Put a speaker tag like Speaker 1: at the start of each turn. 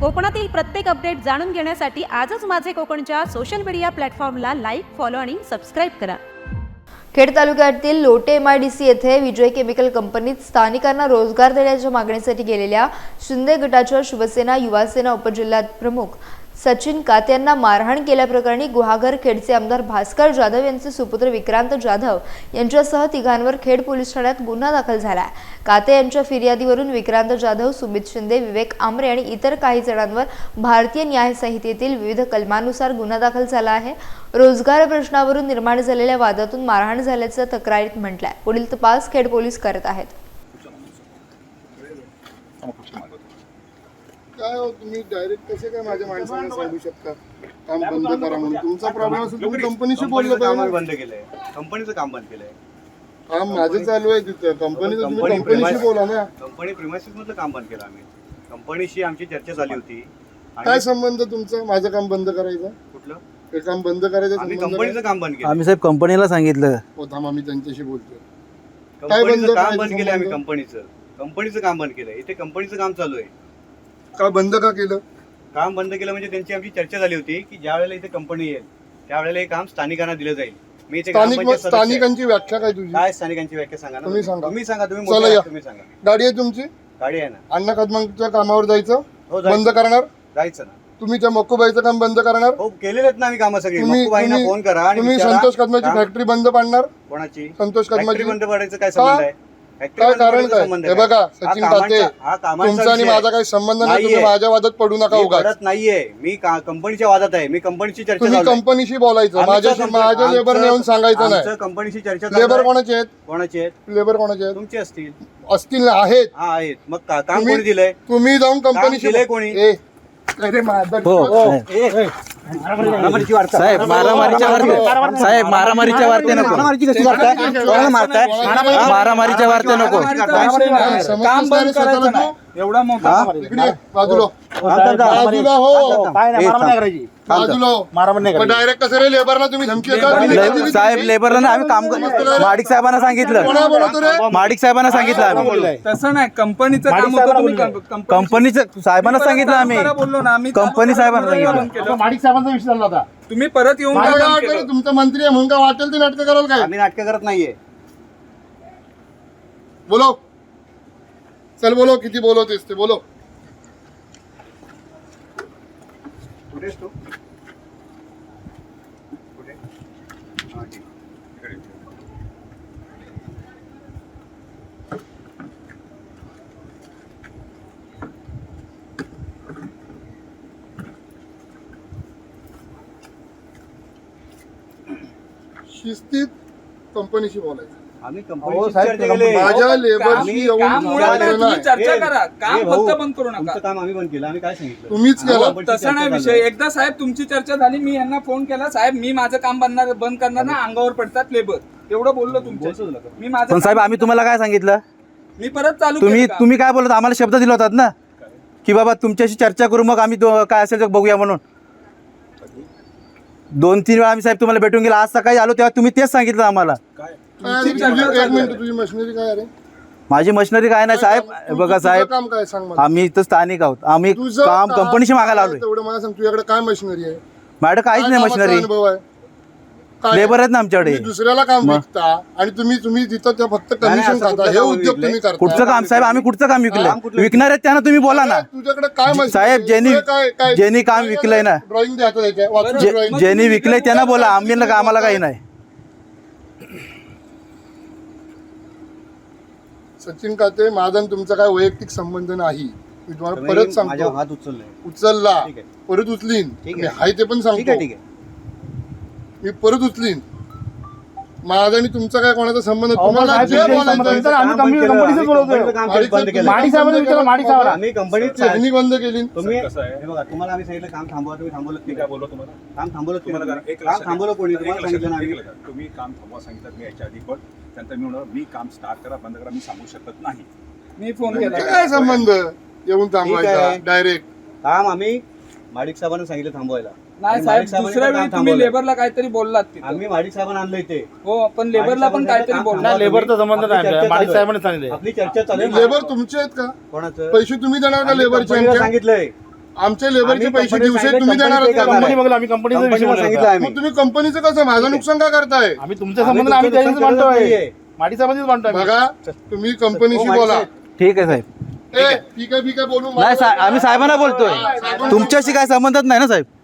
Speaker 1: कोकणातील प्रत्येक अपडेट जाणून घेण्यासाठी आजच माझे कोकणच्या सोशल मीडिया प्लॅटफॉर्मला लाईक, फॉलो आणि सबस्क्राईब करा।
Speaker 2: खेड तालुक्यातील लोटे MIDC येथे विजय केमिकल कंपनीत स्थानिकांना रोजगार देण्याच्या मागणीसाठी गेलेल्या शिंदे गटाच्या शिवसेना युवासेना उपजिल्हा प्रमुख सचिन काते यांना मारहाण केल्याप्रकरणी गुहागर खेडचे आमदार भास्कर जाधव यांचे सुपुत्र विक्रांत जाधव यांच्यासह तिघांवर खेड पोलीस ठाण्यात गुन्हा दाखल झाला आहे। काते यांच्या फिर्यादीवरून विक्रांत जाधव, सुमित शिंदे, विवेक आमरे आणि इतर काही जणांवर भारतीय न्याय संहितेतील विविध कलमानुसार गुन्हा दाखल झाला आहे। रोजगार प्रश्नावरून निर्माण झालेल्या वादातून मारहाण झाल्याचं तक्रारीत म्हटलंय। पुढील तपास खेड पोलीस करत आहेत।
Speaker 3: काय हो तुम्ही डायरेक्ट कसे काय माझ्या माणसांना सांगू शकता काम बंद करा म्हणून? तुमचा प्रॉब्लेम असेल तुम्ही कंपनीशी बोललं पाहिजे।
Speaker 4: बंद केलंय, कंपनीचं काम बंद केलंय।
Speaker 3: काम माझं चालू आहे तिथं कंपनीचं, तुम्ही कंपनीशी बोला ना।
Speaker 4: कंपनी प्रिमायसिस मधलं काम बंद केलं आम्ही। कंपनीशी आमची चर्चा झाली होती।
Speaker 3: काय संबंध तुमचा माझं काम बंद करायचं?
Speaker 4: कुठलं
Speaker 3: हे काम बंद करायचं
Speaker 4: आम्ही
Speaker 3: संबंध
Speaker 4: कंपनीचं काम बंद केलं।
Speaker 5: आम्ही साहेब कंपनीला सांगितलं
Speaker 3: हो थांबा मी त्यांच्याशी बोलतोय।
Speaker 4: कंपनीचं काम
Speaker 3: करायचं
Speaker 4: बंद केलंय आम्ही।
Speaker 3: संबंध?
Speaker 4: कंपनीचं काम बंद केलंय। इथे कंपनीचं काम चालू आहे।
Speaker 3: का बंद का केलं?
Speaker 4: काम बंद केलं म्हणजे त्यांची आमची चर्चा झाली होती की ज्या वेळेला इथे कंपनी येईल त्यावेळेला हे काम स्थानिकांना दिलं जाईल। मी इथे ग्रामपंचायत सदस्य आहे।
Speaker 3: स्थानिकांची व्याख्या काय तुझी?
Speaker 4: काय स्थानिकांची व्याख्या सांगा ना।
Speaker 3: तुम्ही सांगा।
Speaker 4: तुम्ही सांगा, तुम्ही
Speaker 3: चला
Speaker 4: मोठे
Speaker 3: या।
Speaker 4: आहात, तुम्ही सांगा।
Speaker 3: गाडी आहे तुमची?
Speaker 4: गाडी आहे ना।
Speaker 3: अण्णा कदमांच्या कामावर जायचं
Speaker 4: हो, जायचं.
Speaker 3: बंद करणार?
Speaker 4: जायचं ना।
Speaker 3: तुम्ही त्या मक्कूबाईचं काम बंद करणार?
Speaker 4: हो, केलेले आहेत ना आम्ही कामं सगळी।
Speaker 3: तुम्ही
Speaker 4: मक्कूबाईंना फोन करा आणि
Speaker 3: तुम्ही
Speaker 4: विचारा,
Speaker 3: संतोष कदमाची
Speaker 4: काम-
Speaker 3: फॅक्टरी बंद पाडणार?
Speaker 4: कोणाची
Speaker 3: संतोष
Speaker 4: फॅक्टरी
Speaker 3: कदमाची
Speaker 4: बंद पडायचं काय संबंध आहे? फॅक्टरी
Speaker 3: काय
Speaker 4: बंद
Speaker 3: कारण
Speaker 4: पडायचा
Speaker 3: काय?
Speaker 4: संबंध
Speaker 3: हे
Speaker 4: आहे
Speaker 3: बघा
Speaker 4: काय?
Speaker 3: सचिन
Speaker 4: हा
Speaker 3: काते,
Speaker 4: कामांचा
Speaker 3: तुमचा आणि
Speaker 4: विषय
Speaker 3: माझा काही संबंध नाही। तुम्ही
Speaker 4: नाहीये।
Speaker 3: माझ्या वादात पडू नका
Speaker 4: मी
Speaker 3: उगाच।
Speaker 4: पडत नाहीये, मी कंपनीच्या वादात आहे। मी कंपनीची चर्चा
Speaker 3: तुम्ही
Speaker 4: चालू आहे।
Speaker 3: कंपनीशी बोलायचं, माझ्याशी माझ्या लेबर येऊन सांगायचं नाही।
Speaker 4: कंपनीची चर्चा चालू
Speaker 3: लेबर
Speaker 4: आहे।
Speaker 3: कोणाचे आहेत?
Speaker 4: कोणाचे आहेत?
Speaker 3: लेबर कोणाचे आहेत?
Speaker 4: तुमचे असतील।
Speaker 3: असतील ना? आहेत।
Speaker 4: हा, आहेत। मग काम
Speaker 3: तुम्ही-
Speaker 4: कोणी दिलंय?
Speaker 3: तुम्ही जाऊन कंपनीशी
Speaker 4: दिलंय कोणी?
Speaker 3: अरे माझा
Speaker 5: हो साहेब मारामारीच्या वार्ते, साहेब मारामारीच्या वार्ते नको, मारामारीच्या वार्ते नको।
Speaker 3: काम बंद करायचं नाही एवढा मोठा इकडे बाजूला बाजूला हो बाजूला डायरेक्ट कसं रे लेबरला तुम्ही धमकी देता?
Speaker 5: साहेब लेबरला ना आम्ही काम माडिक साहेबांना सांगितलं,
Speaker 3: कोणा बोलतो रे?
Speaker 5: माडिक साहेबांना सांगितलं आम्ही।
Speaker 6: तसं नाही, कंपनीचं काम होतं, तुम्ही
Speaker 5: कंपनीचं साहेबांना सांगितलं आम्ही।
Speaker 6: बोललो ना आम्ही,
Speaker 5: कंपनी साहेबांना सांगितलं।
Speaker 3: माडिक साहेबांचा विषय झाला होता।
Speaker 6: तुम्ही परत येऊन
Speaker 3: मला
Speaker 6: का
Speaker 3: काय
Speaker 6: काम
Speaker 3: वाटलं
Speaker 6: केलं?
Speaker 3: रे, तुमचा मंत्री आहे म्हणून काय वाटेल ते नाटकं कराल काय?
Speaker 4: आम्ही नाटकं करत नाहीये।
Speaker 3: बोलो चल बोलो, किती बोलवतेस ते बोलो।
Speaker 4: कुठेस तू? कुठे? हा, ठीक. इकडे.
Speaker 3: शिस्तीत कंपनीशी बोलायचं।
Speaker 4: आम्ही कंपनीची चर्चा केली।
Speaker 3: माझ्या लेबरशी येऊन
Speaker 6: काम मुळात नाही,
Speaker 3: बोलायचं
Speaker 6: तुम्ही
Speaker 3: नाही।
Speaker 6: चर्चा करा, काम
Speaker 4: ए भाऊ,
Speaker 6: फक्त बंद करू नका।
Speaker 4: तुमचं काम आम्ही बंद केलं। आम्ही काय सांगितलं?
Speaker 3: तुम्हीच केलं।
Speaker 4: कंपनीची
Speaker 6: तसं
Speaker 4: चर्चा
Speaker 6: नाही
Speaker 4: चालू
Speaker 6: विषय।
Speaker 4: आहे।
Speaker 6: एकदा साहेब तुमची चर्चा झाली, मी यांना फोन केला, साहेब मी माझं काम बंद करणार ना, अंगावर पडतात लेबर, एवढं बोललो तुमच्या। मी माझं
Speaker 5: पण साहेब आम्ही तुम्हाला काय सांगितलं?
Speaker 6: मी परत चालू
Speaker 5: तुम्ही
Speaker 6: केलं काम.
Speaker 5: तुम्ही काय बोलत? आम्हाला शब्द दिला होतात ना की बाबा तुमच्याशी चर्चा करू, मग आम्ही काय असेल ते बघूया म्हणून। 2-3 वेळा आम्ही साहेब तुम्हाला भेटून गेला। आज सकाळी आलो तेव्हा तुम्ही तेच सांगितलं आम्हाला।
Speaker 3: एक मिनिट, तुझी मशिनरी काय रे?
Speaker 5: माझी मशिनरी काय नाही साहेब, बघा
Speaker 3: तुझं
Speaker 5: साहेब
Speaker 3: काम काय सांग मला?
Speaker 5: आम्ही इथं स्थानिक आहोत, आम्ही
Speaker 3: तुझं
Speaker 5: काम कंपनीशी मागायला
Speaker 3: काय
Speaker 5: आलोय।
Speaker 3: तेवढं मला सांग, तुझ्याकडे काय मशिनरी आहे?
Speaker 5: माझ्याकडे काहीच
Speaker 3: काय
Speaker 5: नाही
Speaker 3: कामाचा
Speaker 5: मशिनरी,
Speaker 3: अनुभव आहे? काय?
Speaker 5: लेबर आहेत ना आमच्याकडे।
Speaker 3: तुम्ही दुसऱ्याला काम विकता आणि तुम्ही तिथं त्या फक्त कमिशन
Speaker 4: असं
Speaker 3: खाता।
Speaker 4: कुठलं
Speaker 3: हे
Speaker 4: काम
Speaker 3: उद्योग
Speaker 4: विकलंय?
Speaker 3: तुम्ही करता।
Speaker 5: कुठचं काम साहेब? आम्ही कुठचं काम विकलं?
Speaker 4: कुठलं?
Speaker 5: विकणार आहेत त्यांना तुम्ही बोला ना।
Speaker 3: तुझ्याकडे काय मशिनरी
Speaker 5: साहेब,
Speaker 3: आहे?
Speaker 5: ज्यांनी-
Speaker 3: तुझं काय-
Speaker 5: ज्यांनी काम विकलंय ना,
Speaker 3: ड्रॉइंग द्यायचं त्याच्या वाचून
Speaker 5: जे-
Speaker 3: drawing.
Speaker 5: ज्यांनी विकलंय त्यांना बोला, आम्हाला काही नाही।
Speaker 3: सचिन काते, माझा आणि तुमचा काय वैयक्तिक संबंध नाही। मी तुम्हाला
Speaker 4: तुम्ही
Speaker 3: परत
Speaker 4: माझ्या
Speaker 3: सांगतो,
Speaker 4: हात उचललाय।
Speaker 3: उचलला
Speaker 4: ठीक आहे.
Speaker 3: परत उचलीन।
Speaker 4: ठीक
Speaker 3: मी
Speaker 4: आहे.
Speaker 3: हाय ते पण
Speaker 4: ठीक आहे,
Speaker 3: सांगतो,
Speaker 4: ठीक आहे।
Speaker 3: मी परत उचलीन। माझा आणि तुमचा काय कोणाचा संबंध? तुम्हाला जे बोलायचं
Speaker 4: आम्ही कंपनीचं काम बंद केलं. आम्ही कंपनीत
Speaker 3: त्यांनी बंद केली।
Speaker 4: तुम्ही हे बघा, तुम्हाला आम्ही सांगितलं काम थांबवा, तुम्ही थांबवलं की काय? बोललो तुम्हाला काम थांबवलं तुम्हाला? काम थांबवलं कोणी? तुम्हाला सांगितलं ना आम्ही।
Speaker 7: तुम्ही काम थांबवा सांगितलं मी याच्या आधी, पण त्यानंतर मी म्हणलं मी काम स्टार्ट करा बंद करा मी सांगू शकत नाही।
Speaker 6: मी फोन केला।
Speaker 3: काय संबंध येऊन थांबवायचा?
Speaker 4: आहे.
Speaker 3: डायरेक्ट
Speaker 4: काम आम्ही माडिक साहेबांना सांगितलं थांबवायला।
Speaker 6: नाही साहेब, दुसऱ्या वेळी तुम्ही लेबरला काहीतरी बोललात तिथं.
Speaker 4: आम्ही माडिक साहेबांना आणलं इथे।
Speaker 6: हो, पण लेबरला पण काहीतरी बोलला।
Speaker 4: लेबरचा संबंध नाही, माडिक साहेबांनी सांगितलं। आपली चर्चा चालू आहे।
Speaker 3: लेबर तुमचे आहेत का?
Speaker 4: कोणाचं?
Speaker 3: पैसे तुम्ही देणार का
Speaker 4: आम्ही
Speaker 3: लेबरचे?
Speaker 4: कंपनीला सांगितलंय
Speaker 3: आमच्या लेबरचे पैसे दिवसे तुम्ही देणार आहात का
Speaker 5: कंपनी
Speaker 3: मला?
Speaker 5: बघला आम्ही कंपनीचा विषय
Speaker 4: कंपनीला
Speaker 5: बोलत
Speaker 4: सांगितलं
Speaker 5: होतो.
Speaker 4: आम्ही.
Speaker 3: मग तुम्ही कंपनीचं कसं माझं नुकसान का करताय?
Speaker 5: आम्ही तुमच्या संबंध आम्ही त्याच्याशीच मांडतोय माडी संबंधीच मांडतोय आम्ही.
Speaker 3: बघा तुम्ही कंपनीशी
Speaker 4: हो,
Speaker 3: बोला.
Speaker 5: ठीक आहे साहेब.
Speaker 3: ठीक आहे बोलू
Speaker 5: नाही आम्ही साहेबांना बोलतोय तुमच्याशी काय संबंधच नाही ना साहेब.